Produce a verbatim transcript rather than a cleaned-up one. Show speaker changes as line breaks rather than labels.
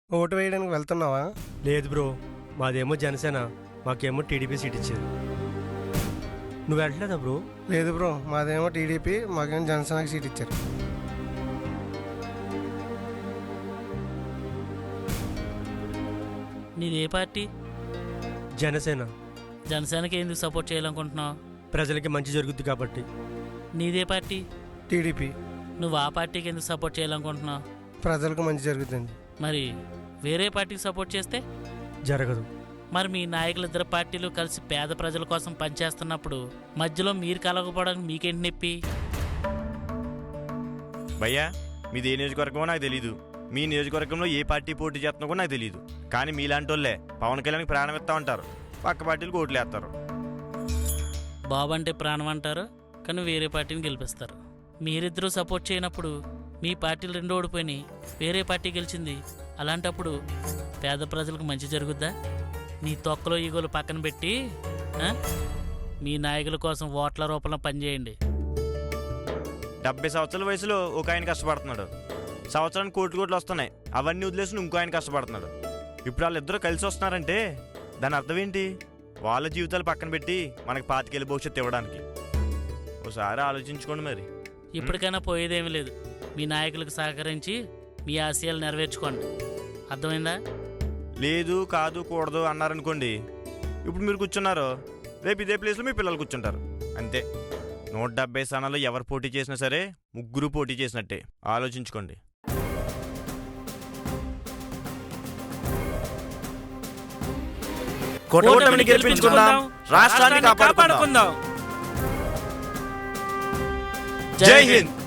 Vote వేయడానికి వెళ్తున్నావా?
లేదు బ్రో, మాదేమో జనసేన, మాకేమో టీడీపీ సీట్ ఇచ్చారు. నువ్వు వెళ్ళలేదా బ్రో?
లేదు బ్రో, మాదేమో టీడీపీ, మాకేమో జనసేనకి సీట్ ఇచ్చారు.
నీది ఏ పార్టీ?
జనసేన.
జనసేనకి ఎందుకు సపోర్ట్ చేయాలనుకుంటున్నావు?
ప్రజలకి మంచి జరుగుద్ది కాబట్టి.
నీదే పార్టీ?
టీడీపీ.
నువ్వు ఆ పార్టీకి ఎందుకు సపోర్ట్ చేయాలనుకుంటున్నావు?
ప్రజలకు మంచి జరుగుతుంది.
మరి వేరే పార్టీకి సపోర్ట్ చేస్తే
జరగదు.
మరి మీ నాయకులు ఇద్దరు పార్టీలు కలిసి పేద ప్రజల కోసం పనిచేస్తున్నప్పుడు మధ్యలో మీరు కలగకపోవడానికి మీకేంటి నొప్పి?
భయ్యా, మీది ఏ నియోజకవర్గమో నాకు తెలీదు, మీ నియోజకవర్గంలో ఏ పార్టీ పోటీ చేస్తున్నా కూడా నాకు తెలియదు. కానీ మీలాంటి వాళ్ళే పవన్ కళ్యాణ్కి ప్రాణం ఇస్తా ఉంటారు, పక్క పార్టీలకు ఓట్లు వేస్తారు.
బాబు అంటే ప్రాణం అంటారు, కానీ వేరే పార్టీని గెలిపిస్తారు. మీరిద్దరూ సపోర్ట్ చేయనప్పుడు మీ పార్టీలు రెండు ఓడిపోయినాయి, వేరే పార్టీ గెలిచింది. అలాంటప్పుడు పేద ప్రజలకు మంచి జరుగుద్దా? నీ తొక్కలో ఈగోలు పక్కన పెట్టి మీ నాయకుల కోసం ఓట్ల రూపంలో పనిచేయండి.
డెబ్బై సంవత్సరాల వయసులో ఒక ఆయన కష్టపడుతున్నాడు, సంవత్సరానికి కోట్లు కోట్లు వస్తున్నాయి, అవన్నీ వదిలేసి ఇంకో ఆయన కష్టపడుతున్నాడు. ఇప్పుడు వాళ్ళిద్దరూ కలిసి వస్తున్నారంటే దాని అర్థం ఏంటి? వాళ్ళ జీవితాలు పక్కన పెట్టి మనకి పాతికేళ్ళ భవిష్యత్తు ఇవ్వడానికి. ఒకసారి ఆలోచించుకోండి. మరి
ఇప్పటికైనా పోయేదేమీ లేదు. మీ నాయకులకు సహకరించి మీ ఆశయాలు నెరవేర్చుకోండి. అర్థమైందా?
లేదు, కాదు, కూడదు అన్నారనుకోండి, ఇప్పుడు మీరు కూర్చున్నారు, రేపు ఇదే ప్లేస్లో మీ పిల్లలు కూర్చుంటారు. అంతే. నూట డెబ్బై స్థానాల్లో ఎవరు పోటీ చేసినా సరే ముగ్గురు పోటీ చేసినట్టే. ఆలోచించుకోండి.
కూటమిని గెలిపించుకుందాం, రాష్ట్రాన్ని కాపాడుకుందాం.
జై హింద్.